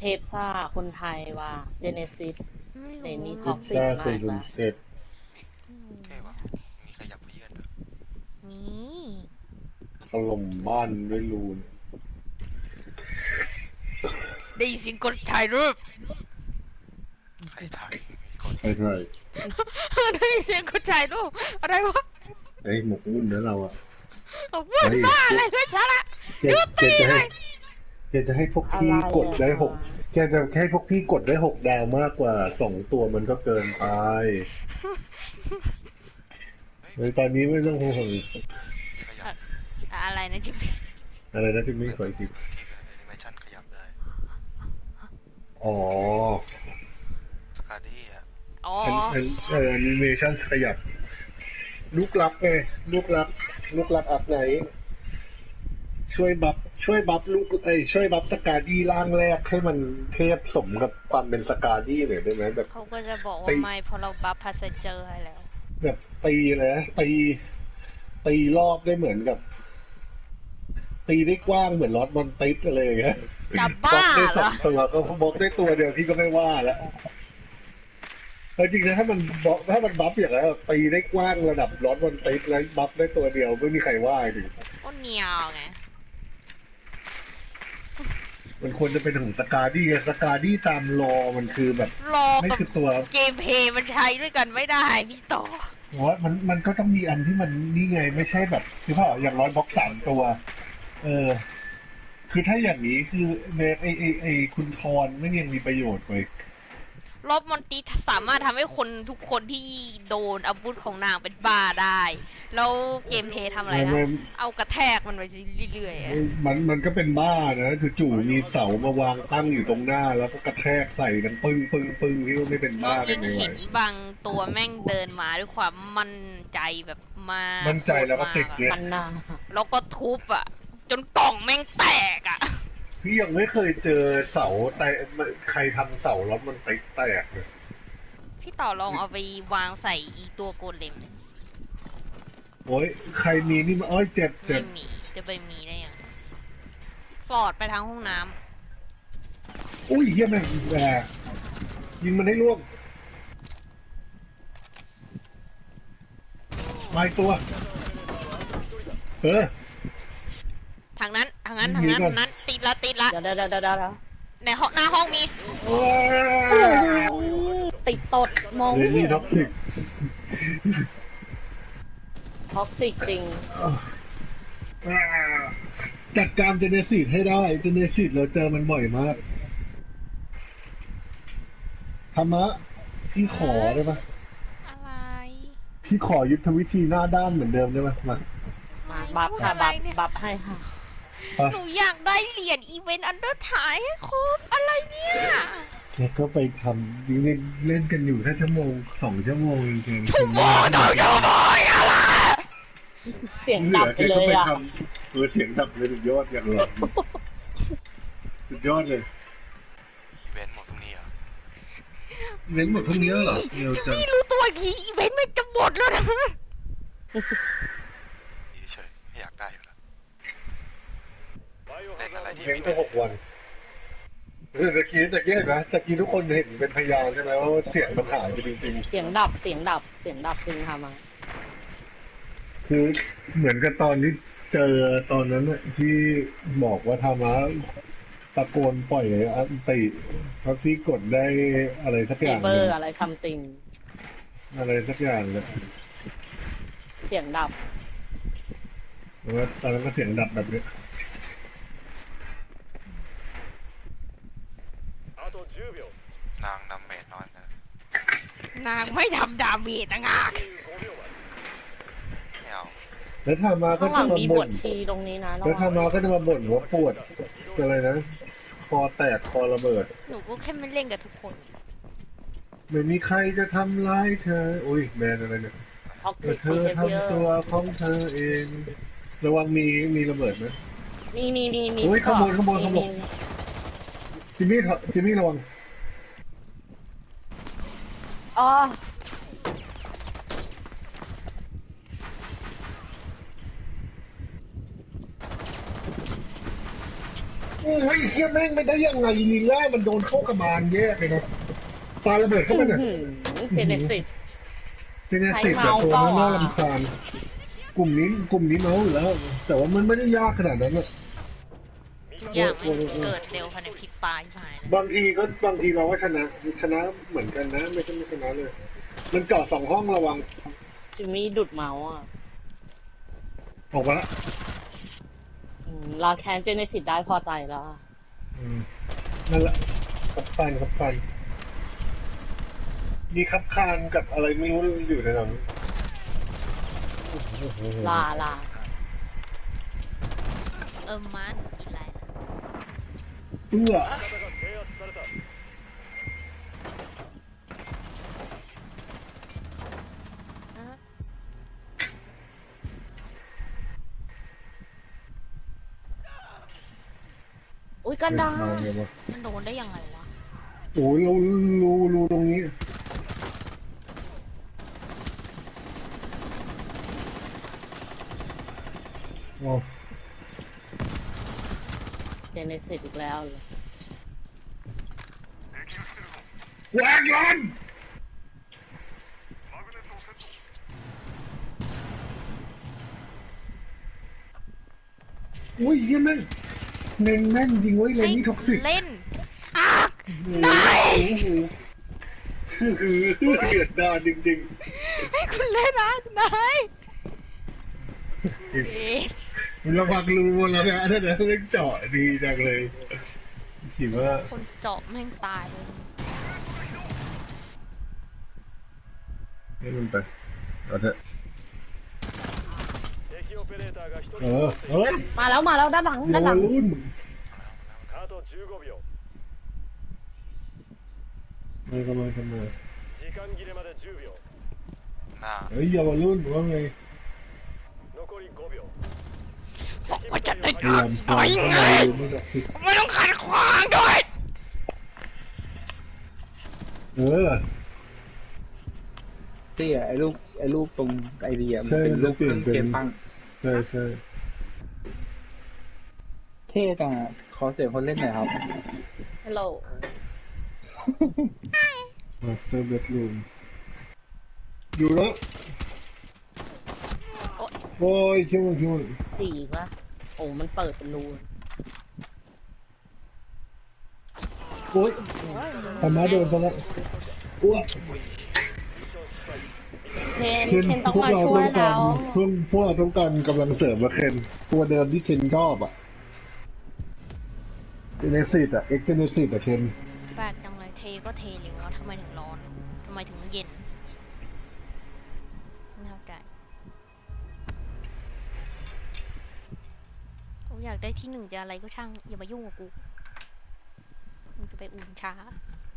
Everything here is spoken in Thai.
เทพซ่าคนไทยว่าเจเนซิสในไม่รู้นี้ท็อกซิกซ่ามาสี่กละศูนย์เจ็ดไม่เท่รู้วะมีขยับเพื่อนด้วยมีถล่มบ้านด้วยรูนได้ยินเสียงกดถ่ายรูปใครถ่ายมีคนใช่ใช่ได้ยินเสียงกดถ่ายรูปอะไรวะไอ้หมกมุ่นเนื้อเราอ่ะพูดบ้าอะไรเลยสาระเจเจจะให้เจจะให้พวกพี่กดได้หกเจจะให้พวกพี่กดได้6 ดาวมากกว่า2 ตัวมันก็เกินไปเลยตอนนี้ไม่ต้องห่วงมีขยับอะไรนะจิ๊บอะไรนะจิมมี่ขออีกทีที่เป็นแอนิเมชันขยับได้อ๋อสกาดี้อ่ะอ๋อแอนิเมชันขยับลูกรักไงลูกรักอัพไหนช่วยบัฟลูกช่วยบัฟสกาดี้ร่างแรกให้มันเทพสมกับความเป็นสกาดี้หน่อยได้ไหมแบบเขาก็จะบอกว่าไม่เพราะเราบัฟพาสเจอร์ให้แล้วแบบตีเลยนะตีรอบได้เหมือนกับ ตีได้กว้างเหมือนลอตบอลติสอะไรอย่างเงี้ยจะบ้าได้เหรอ 2 ตัวก็บล็อกได้ตัวเดียวพี่ก็ไม่ว่าแล้วจริงนะถ้ามันบัฟอย่างไรนตีได้กว้างระดับลอตบอลติสแล้วบัฟได้ตัวเดียวไม่มีใครว่าดิก็เหนียวไงมันควรจะเป็นของสกาดี้สกาดี้ตามรอมันคือแบบรอไม่กับคือตัวเกมเพลย์มันใช้ด้วยกันไม่ได้พี่ต่อว่ามันก็ต้องมีอันที่มันนี่ไงไม่ใช่แบบคือเปล่าอย่างร้อยบล็อก3 ตัว คือถ้าอย่างนี้คือเนไอคุณทอนไม่ยังมีประโยชน์เลยรอบมอนตีสามารถทำให้คนทุกคนที่โดนอาวุธของนางเป็นบ้าได้ แล้วเกมเพลย์ทำอะไรนะ เอากระแทกมันไปเรื่อยๆอะมันก็เป็นบ้านะคือจู่มีเสามาวางตั้งอยู่ตรงหน้า แล้วก็กระแทกใส่กันปึ้งที่ว่าไม่เป็นบ้าได้ยังไงเห็วะนบางตัวแม่งเดินมาด้วยความมั่นใจแบบมากมั่นใจแล้วก็ติดเนี่ยมันนาแล้วก็ทุบอ่ะ จนกล่องแม่งแตกอ่ะพี่ยังไม่เคยเจอเสาแต่ใครทำเสาแล้วมันแตกเลยพี่ต่อลองเอาไปวางใส่อีตัวโกเลมโอ้ยใครมีนี่มาอ้อยเจ็บไม่มีจะไปมีได้ยังฟอร์ดไปทางห้องน้อุ้ยเยี่ยแม่งแหมยิงมันให้ล่วงมาอีกตัวำทางนั้นมีก่อนนั้นติดละเดี๋ยวในห้องหน้าห้องมีติดตดมองเรไม่นเห็นี่นท็อกซิกท็อกซิกจริงจัดการเจเนซิสให้ได้เจเนซิสเราเจอมันบ่อยมากธรรมะพี่ขอได้ปะอะไรพี่ขอยุทธวิธีหน้าด้านเหมือนเดิมได้ปะมามาบัฟพูดค่ะอะไรบัฟเนี่ยบัฟให้ค่ะปะหนูอยากได้เหรียญอีเวนต์อันเดอร์ถ่ายให้ครบอะไรเนี่ยแกก็ไปทำเล่นกันอยู่แค่1-2 ชั่วโมงจริงๆชั่วโมงต่อชั่วโมงอะไรเสียงเหลืดัอบไปแกเลก็ยไปอ่ะทำเสียงดับเลยสุดยอดอย่างหลอนสุดยอดเลยอีเวนต์หมดพรุ่งนี้เหรอเน้นหมดพวกนี้แล้วเหรอเร็วจังพี่รู้ตัวอีกทีอีเวนต์มันจะหมดแล้วนะดีเฉยไม่อยากได้อยู่แล้วเล่นอะไรที่เน้นมีไป6 วันตะกี้เห็นไหมตะกี้ทุกคนเห็นเป็นพยานใช่ไหมว่าเสียงมันหายไปจริงเสียงดับจริงค่ะมาๆคือเหมือนกับตอนที่เจอตอนนั้นน่ะที่บอกว่าธรรมะตะโกนปล่อยอันติเขาที่กดได้อะไรสักอฟีย่างเบหอนึ่งร์อะไรซัมติงอะไรสักอย่างเลยเสียงดับแล้วก็ตอนนั้นก็เสียงดับแบบเนี้ยนางดำเมจน้อยนะนางไม่ทำดาเมจนะงากไม่เอาแล้วธรรมะก็ข้างหลัจะงมามีบบ่ทนชีตรงนี้นะระแล้วธรวัรง มะก็จะมาบ่นว่าปวดอะไรนะคอแตกคอระเบิดหนูก็แค่ไม่เล่นกับทุกคนไม่มีใครจะทำร้ายเธอ อุ้ยแบรนด์อะไรเนี่ยท็อกแต่ซิกเธอเยอะทำตัวของเธอเอง ระวังมีระเบิดไหมมีโอ้ยขโมยมีจิมมี่ระวังอ๋อโอ้ยเฮียแม่งไม่ได้ยังไงลีล่ามันโดนเข้ากระบาลแยกเลยนะปาระเบิดเข้าไปเนี่ยเจเนซิสเจเนซิสแบบตัวน่าลำคาญกลุ่มนี้เมาส์อยู่แล้ว แต่ว่ามันไม่ได้ยากขนาดนั้นอะทุกอย่างมันเกิดเร็วภายในพริบตาที่หายเลยบางทีเราก็ชนะเหมือนกันนะ ไม่ใช่ไม่ชนะเลย มันจอดสองห้องระวังจิมมี่ดุดเมาส์อ่ะออกมาละลาแคนเจเนซิสได้พอใจแล้วอะนั่นแหละขับคานมีขับคานกับอะไรไม่รู้อยู่ในนั้นลาม้าหนูกินอะไรล่ะเอื้ออ่ะอุ้ยกันดามาไงวะมันโดนได้ยังไงวะโอ้ยเรารูตรงนี้โอ้เจเนซิสอีกแล้วเลยแหวกยันอุ้ยเฮียแม่งเน้นแม่นจริงเว้ยเลนนี่ท็อกซิกเล่นอ่ะนายคือเดือดดาลจริงให้คุณเล่นนะนายๆเอ๊ะระวังรูแล้วนะถ้าเดี๋ยวเล่นเจาะดีจังเลยคิดว่าคนเจาะแม่งตายเลยให้มันไปเอาเถอะเฮ้ยมาแล้วด้านหลังโยด้านหลังรุ่นไม่กำลังทำไมหน้าเฮ้ยเยาวรุ่นว่าไงบอกว่าจะได้พยายามต่อยเข้าไงมาไม่ได้คิดไม่ต้องขัดขวางด้วยเออที่ไอ้รูปตรงไอเดียมันใช่เป็นรูปเครื่องมันจะเปลี่เกยนมเป็นตั้งใช่ใช่เท่จังอะขอเสียงคนเล่นหน่อยครับฮัลโหลมาสเตอร์เบดรูมอยู่แล้วโอ้ยคิวมันจีอีกละโอ้มันเปิดเป็นรูโอ้ยทำมาโดนซะแล้วอ้วกเคนต้องพวกมาเราช่วต้ยองกาแล้รวพวกเราต้องการกำลังเสริมมาเคนตัวเดิมที่เคนชอบอ่ะเจเนซิสอ่ะเจเนซิสอ่ะเคนแปลกจังเลยเทก็เทเร็วแล้วทำไมถึงร้อนทำไมถึงเย็นไม่เข้าใจกูอยากได้ที่หนึ่งจะอะไรก็ช่างอย่ามายุ่งกับกูมึงจะไปอุ่นช้า